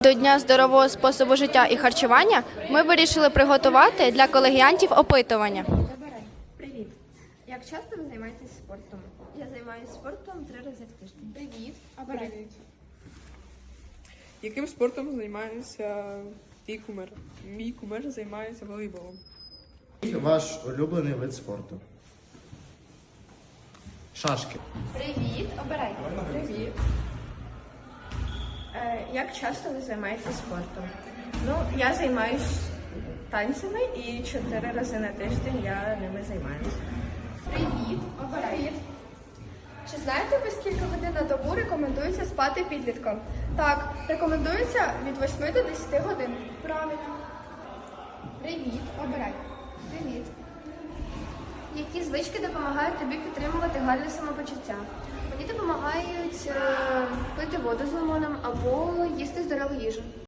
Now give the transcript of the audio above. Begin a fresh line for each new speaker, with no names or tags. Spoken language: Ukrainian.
До Дня здорового способу життя і харчування ми вирішили приготувати для колегіантів опитування.
Привіт. Як часто ви займаєтесь спортом? Я займаюся спортом 3 рази в тиждень.
Привіт.
Привіт. Яким спортом займається твій кумир? Мій кумир займається волейболом.
Ваш улюблений вид спорту? Шашки.
Привіт. Обирай.
Привіт.
Як часто ви займаєтесь спортом? Ну, я займаюсь танцями і 4 рази на тиждень я ними займаюся.
Привіт. Обирай. Чи знаєте ви, скільки годин на добу рекомендується спати підліткам? Так, рекомендується від 8 до 10 годин. Правильно. Привіт. Обирай. Привіт. Які звички допомагають тобі підтримувати гарне самопочуття? Мені допомагають пити воду з лимоном або їсти здорову їжу.